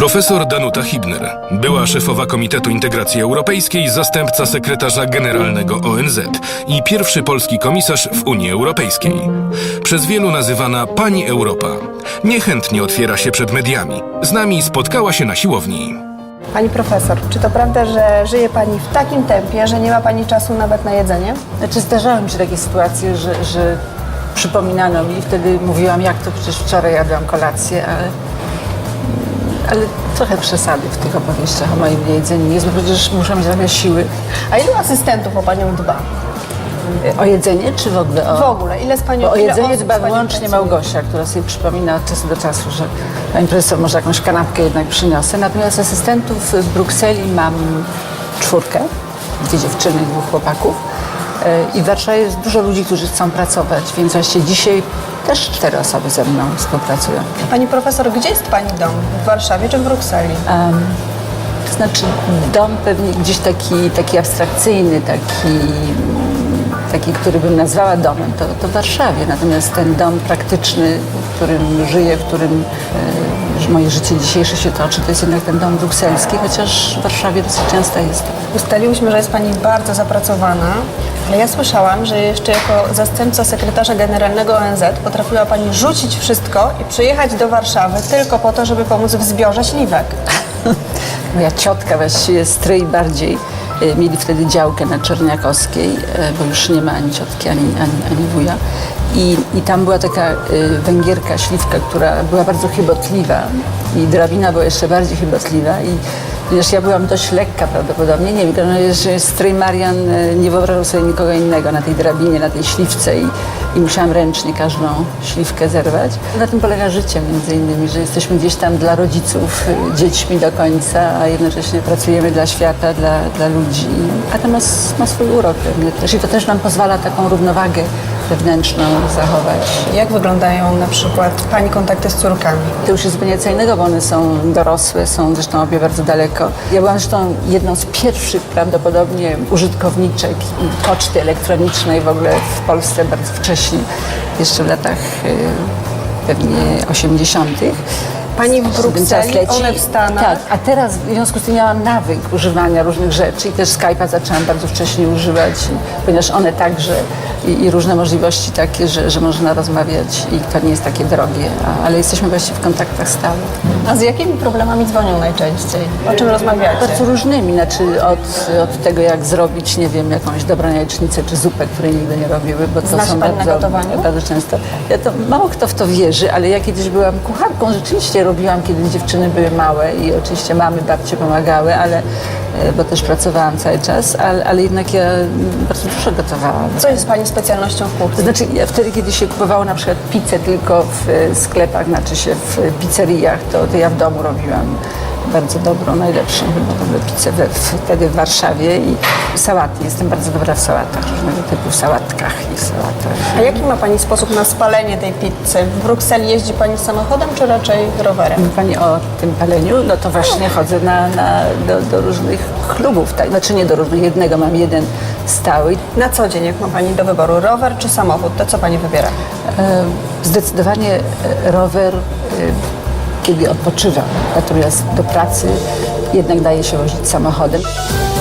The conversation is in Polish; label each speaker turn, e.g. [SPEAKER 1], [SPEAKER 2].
[SPEAKER 1] Profesor Danuta Hibner, była szefowa Komitetu Integracji Europejskiej, zastępca sekretarza generalnego ONZ i pierwszy polski komisarz w Unii Europejskiej. Przez wielu nazywana Pani Europa. Niechętnie otwiera się przed mediami. Z nami spotkała się na siłowni.
[SPEAKER 2] Pani profesor, czy to prawda, że żyje Pani w takim tempie, że nie ma Pani czasu nawet na jedzenie?
[SPEAKER 3] Znaczy zdarzały mi się takie sytuacje, że przypominano mi i wtedy mówiłam, jak to przecież wczoraj jadłam kolację, ale trochę przesady w tych opowieściach o moim jedzeniu jest, bo przecież muszę mieć trochę siły.
[SPEAKER 2] A ilu asystentów o Panią dba?
[SPEAKER 3] O jedzenie czy w ogóle o...
[SPEAKER 2] W ogóle, ile z Panią...
[SPEAKER 3] Bo o
[SPEAKER 2] ile
[SPEAKER 3] jedzenie
[SPEAKER 2] osób
[SPEAKER 3] dba
[SPEAKER 2] z Panią
[SPEAKER 3] wyłącznie
[SPEAKER 2] pracuje?
[SPEAKER 3] Małgosia, która sobie przypomina od czasu do czasu, że pani profesor, może jakąś kanapkę jednak przyniosę. Natomiast asystentów w Brukseli mam 4, 2 dziewczyny, 2 chłopaków. I w Warszawie jest dużo ludzi, którzy chcą pracować, więc właściwie dzisiaj też 4 osoby ze mną współpracują.
[SPEAKER 2] Pani profesor, gdzie jest Pani dom? W Warszawie czy w Brukseli?
[SPEAKER 3] To znaczy dom pewnie gdzieś taki abstrakcyjny, taki, który bym nazwała domem, to w Warszawie. Natomiast ten dom praktyczny, w którym żyję, w którym moje życie dzisiejsze się toczy, to jest jednak ten dom brukselski, chociaż w Warszawie dosyć często jest.
[SPEAKER 2] Ustaliłyśmy, że jest Pani bardzo zapracowana, ale ja słyszałam, że jeszcze jako zastępca sekretarza generalnego ONZ potrafiła Pani rzucić wszystko i przyjechać do Warszawy tylko po to, żeby pomóc w zbiorze śliwek.
[SPEAKER 3] Moja ciotka, właściwie stryj bardziej, mieli wtedy działkę na Czerniakowskiej, bo już nie ma ani ciotki, ani wuja. I tam była taka Węgierka, śliwka, która była bardzo chybotliwa i drabina była jeszcze bardziej chybotliwa. I ponieważ ja byłam dość lekka prawdopodobnie, nie wiem, że stryj Marian nie wyobrażał sobie nikogo innego na tej drabinie, na tej śliwce i musiałam ręcznie każdą śliwkę zerwać. Na tym polega życie między innymi, że jesteśmy gdzieś tam dla rodziców, dziećmi do końca, a jednocześnie pracujemy dla świata, dla ludzi. A to ma swój urok pewnie też i to też nam pozwala taką równowagę wewnętrzną zachować.
[SPEAKER 2] Jak wyglądają na przykład Pani kontakty z córkami?
[SPEAKER 3] To już jest zupełnie co innego, bo one są dorosłe, są zresztą obie bardzo daleko. Ja byłam zresztą jedną z pierwszych prawdopodobnie użytkowniczek i poczty elektronicznej w ogóle w Polsce bardzo wcześnie, jeszcze w latach pewnie 80.
[SPEAKER 2] Pani w Brukseli, one w Stanach.
[SPEAKER 3] Tak, a teraz w związku z tym miałam nawyk używania różnych rzeczy i też Skype'a zaczęłam bardzo wcześnie używać, ponieważ one także i różne możliwości takie, że można rozmawiać i to nie jest takie drogie, ale jesteśmy właściwie w kontaktach stałych.
[SPEAKER 2] A z jakimi problemami dzwonią najczęściej? O czym rozmawiacie?
[SPEAKER 3] Bardzo różnymi, znaczy od tego, jak zrobić, nie wiem, jakąś dobrą jajecznicę czy zupę, której nigdy nie robiły, bo to
[SPEAKER 2] Zna się
[SPEAKER 3] są
[SPEAKER 2] Pani na gotowaniu?
[SPEAKER 3] bardzo często. Mało kto w to wierzy, ale ja kiedyś byłam kucharką, rzeczywiście robiłam, kiedy dziewczyny były małe i oczywiście mamy, babcie pomagały, bo też pracowałam cały czas, ale jednak ja bardzo dużo gotowałam.
[SPEAKER 2] Co jest Pani specjalnością w
[SPEAKER 3] To
[SPEAKER 2] kuchni?
[SPEAKER 3] znaczy, wtedy, kiedy się kupowało na przykład pizzę tylko w sklepach, znaczy się w pizzeriach, to ja w domu robiłam bardzo dobrą, najlepszą chyba w ogóle pizzę wtedy w Warszawie i sałaty. Jestem bardzo dobra w sałatach, różnego typu sałatkach i sałatach.
[SPEAKER 2] A jaki ma Pani sposób na spalenie tej pizzy? W Brukseli jeździ Pani samochodem, czy raczej rowerem?
[SPEAKER 3] Mówi Pani o tym paleniu? No to właśnie chodzę do różnych klubów, tak? Znaczy nie do różnych, jednego mam jeden stały.
[SPEAKER 2] Na co dzień, jak ma Pani do wyboru rower czy samochód, to co Pani wybiera?
[SPEAKER 3] Zdecydowanie rower, kiedy odpoczywam, natomiast do pracy jednak daje się wozić samochodem.